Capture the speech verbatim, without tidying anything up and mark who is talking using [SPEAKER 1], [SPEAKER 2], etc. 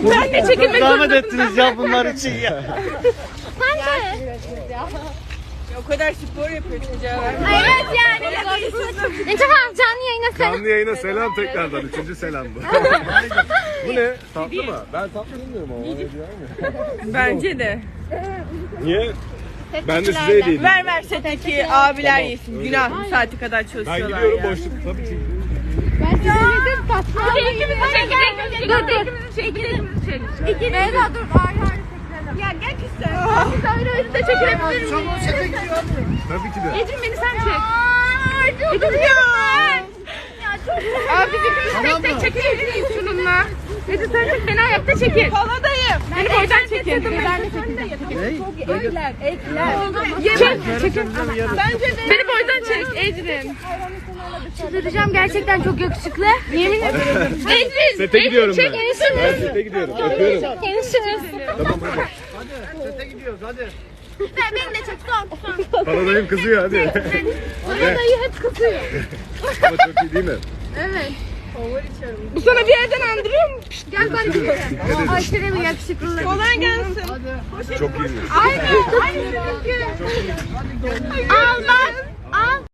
[SPEAKER 1] Ben de çekilmek
[SPEAKER 2] Zahmet ettiniz ya bunlar için ya.
[SPEAKER 3] Ben de.
[SPEAKER 1] O kadar spor yapıyorsun Cevher.
[SPEAKER 3] Evet yani. Ne tamam canlı yayına selam.
[SPEAKER 4] Canlı yayına selam tekrardan. Üçüncü selam bu. Bu ne? Tatlı mı? Ben tatlı bilmiyorum ama. Öyle diyor mu?
[SPEAKER 1] Bence de.
[SPEAKER 4] Niye? Ben de size hediye edeyim.
[SPEAKER 1] Ver ver setteki abiler yesin. Günah bu saati kadar
[SPEAKER 4] Ben
[SPEAKER 1] çalışıyorlar
[SPEAKER 4] gidiyorum
[SPEAKER 1] ya.
[SPEAKER 4] boşluk. Tabii ki.
[SPEAKER 3] Ben size dedim tatlı.
[SPEAKER 1] Dur dur.
[SPEAKER 3] İki Beyza dur. Hayır hayır. Ya gel kız sen. Biz ayrı ayrı da çekilebilir miyiz?
[SPEAKER 4] Tabii ki de.
[SPEAKER 3] Ecrin beni sen çek. Aa, çok güzel. Ya çok güzel.
[SPEAKER 1] Abi biz ikimiz tek tek çekebilir miyiz şununla? Ece sen çek beni ayakta çekin. Paladayım. Beni boydan çekin.
[SPEAKER 3] Ben de çekeceğim. Çok ekler, ekler.
[SPEAKER 1] Çek, çekin. Bence de. Beni boydan çek Ecrin.
[SPEAKER 3] Çıldıracağım gerçekten çok yakışıklı. Yemin ederim.
[SPEAKER 1] Ecrin.
[SPEAKER 4] Sete gidiyorum ben.
[SPEAKER 1] Çek Ecrin.
[SPEAKER 4] Ben sete gidiyorum. Öpüyorum.
[SPEAKER 3] Görüşürüz.
[SPEAKER 4] Tamam hadi.
[SPEAKER 2] Sete gidiyoruz hadi.
[SPEAKER 3] Ben beni de çek son son.
[SPEAKER 4] Paradayım kızıyor hadi.
[SPEAKER 3] Bana dayı hep kızıyor.
[SPEAKER 4] Ama çok iyi değil mi?
[SPEAKER 3] Evet.
[SPEAKER 1] Bu sana bir yerden andırıyor mu?
[SPEAKER 3] Gel ben de. Aşırı bir yakışıklı.
[SPEAKER 1] Kolay gelsin.
[SPEAKER 4] Çok iyi.
[SPEAKER 3] Aynen. Aynen. Al bak. Al.